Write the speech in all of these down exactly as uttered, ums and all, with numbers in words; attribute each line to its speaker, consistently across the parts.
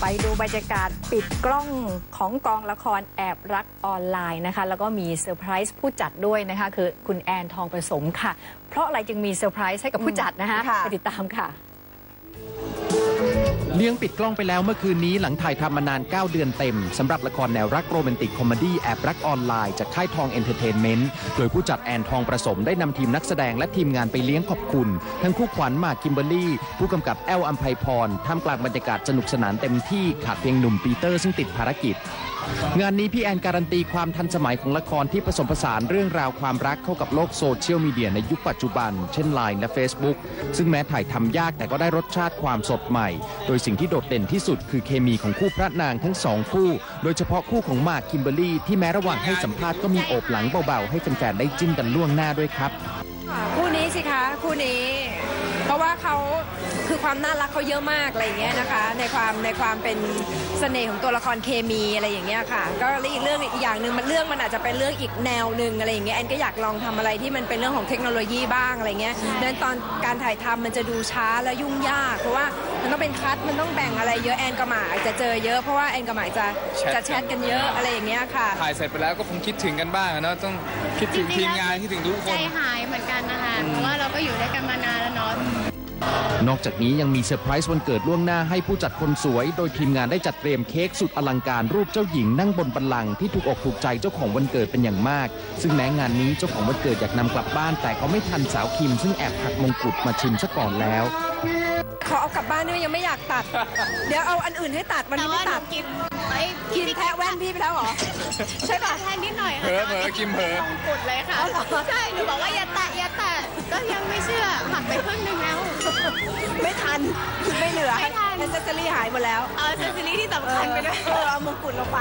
Speaker 1: ไปดูบรรยากาศปิดกล้องของกองละครแอบรักออนไลน์นะคะแล้วก็มีเซอร์ไพรส์ผู้จัดด้วยนะคะคือคุณแอนทองผสมค่ะเพราะอะไรจึงมีเซอร์ไพรส์ให้กับผู้จัดนะคะไปติดตามค่ะ
Speaker 2: เลี้ยงปิดกล้องไปแล้วเมื่อคืนนี้หลังถ่ายทำมานานเก้าเดือนเต็มสำหรับละครแนวรักโรแมนติกคอมเมดี้แอบรักออนไลน์จากค่ายทองเอนเตอร์เทนเมนต์โดยผู้จัดแอนทองผสมได้นำทีมนักแสดงและทีมงานไปเลี้ยงขอบคุณทั้งคู่ขวัญหมากคิมเบอร์รี่ผู้กำกับแอลอัมไพพรท่ามกลางบรรยากาศสนุกสนานเต็มที่ขาดเพียงหนุ่มปีเตอร์ซึ่งติดภารกิจงานนี้พี่แอนการันตีความทันสมัยของละครที่ผสมผสานเรื่องราวความรักเข้ากับโลกโซเชียลมีเดียในยุคปัจจุบันเช่น ไลน์ และ Facebook ซึ่งแม้ถ่ายทำยากแต่ก็ได้รสชาติความสดใหม่โดยสิ่งที่โดดเด่นที่สุดคือเคมีของคู่พระนางทั้งสองคู่โดยเฉพาะคู่ของหมากคิมเบอร์รี่ที่แม้ระหว่างให้สัมภาษณ์ก็มีโอบหลังเบาๆให้แฟนๆได้จิ้นกันล่วงหน้าด้วยครับ
Speaker 3: คู่นี้สิคะคู่นี้เพราะว่าเขาคือความน่ารักเขาเยอะมากอะไรอย่างเงี้ยนะคะในความในความเป็นเสน่ห์ของตัวละครเคมีอะไรอย่างเงี้ยค่ะก็อีกเรื่องอีกอย่างหนึ่งมันเรื่องมันอาจจะเป็นเรื่องอีกแนวหนึ่งอะไรอย่างเงี้ยแอนก็อยากลองทำอะไรที่มันเป็นเรื่องของเทคโนโลยีบ้างอะไรเงี้ยดังนั้นตอนการถ่ายทำมันจะดูช้าและยุ่งยากเพราะว่ามันต้องเป็นคัทมันต้องแบ่งอะไรเยอะแอนกับหมากจะเจอเยอะเพราะว่าแอนกับหมากจะจะแชทกันเยอะอะไรอย่างเงี้ยค่ะ
Speaker 4: ถ่ายเสร็จไปแล้วก็คงคิดถึงกันบ้างนะต้องคิดถึงทีมงานคิดถึงทุกคน
Speaker 5: ใจหายเหมือนกันนะคะเพราะว่าเราก็อยู่ด้วยกันมานานแล้วเนาะ
Speaker 2: นอกจากนี้ยังมีเซอร์ไพรส์วันเกิดล่วงหน้าให้ผู้จัดคนสวยโดยทีมงานได้จัดเตรียมเค้กสุดอลังการรูปเจ้าหญิงนั่งบนบัลลังก์ที่ถูกอกถูกใจเจ้าของวันเกิดเป็นอย่างมากซึ่งแม้งานนี้เจ้าของวันเกิดอยากนำกลับบ้านแต่ก็ไม่ทันสาวคิมซึ่งแอบหักมงกุฎมาชิมซะก่อนแล้ว
Speaker 3: ขอเอากลับบ้านด้วยยังไม่อยากตัดเดี๋ยวเอาอันอื่นให้ตัดวันนี้ไม่ตัด
Speaker 5: กิน
Speaker 3: กินแทะแว่นพี่ไปแล้วเหรอใช่ป่ะ
Speaker 5: แทนนิดหน่อยค่ะ
Speaker 4: เผลอเผลอกิมเผลอ
Speaker 5: มงกุฎเลยค่ะใช่หนูบอกว่าอย่าแตะอย่าแตะก็ยังไม่เชื่อหักไปครึ่งนึงแล้ว
Speaker 3: ไม่ทันคือไม่เหลือ
Speaker 5: ไม่ทัน
Speaker 3: แอสเซสซอรี่หายหมดแล้ว
Speaker 5: เอาแอสเซสซอรี่ที่สำคัญไปด้วย
Speaker 3: เออเอามงกุฎลงไป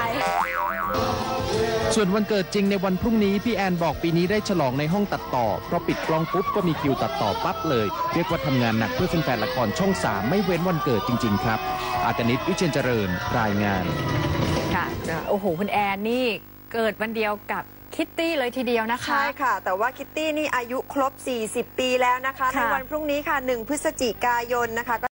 Speaker 2: ส่วนวันเกิดจริงในวันพรุ่งนี้พี่แอนบอกปีนี้ได้ฉลองในห้องตัดต่อเพราะปิดกล้องปุ๊บก็มีคิวตัดต่อปั๊บเลยเรียกว่าทำงานหนักเพื่อแฟนๆละครช่องสามไม่เว้นวันเกิดจริงๆครับอากนิต วิเชียรเจริญรายงาน
Speaker 1: ค่ะโอ้โหคุณแอนนี่เกิดวันเดียวกับคิตตี้เลยทีเดียวนะคะ
Speaker 6: ใช่ค่ะแต่ว่าคิตตี้นี่อายุครบสี่สิบปีแล้วนะคะในวันพรุ่งนี้ค่ะหนึ่งพฤศจิกายนนะคะ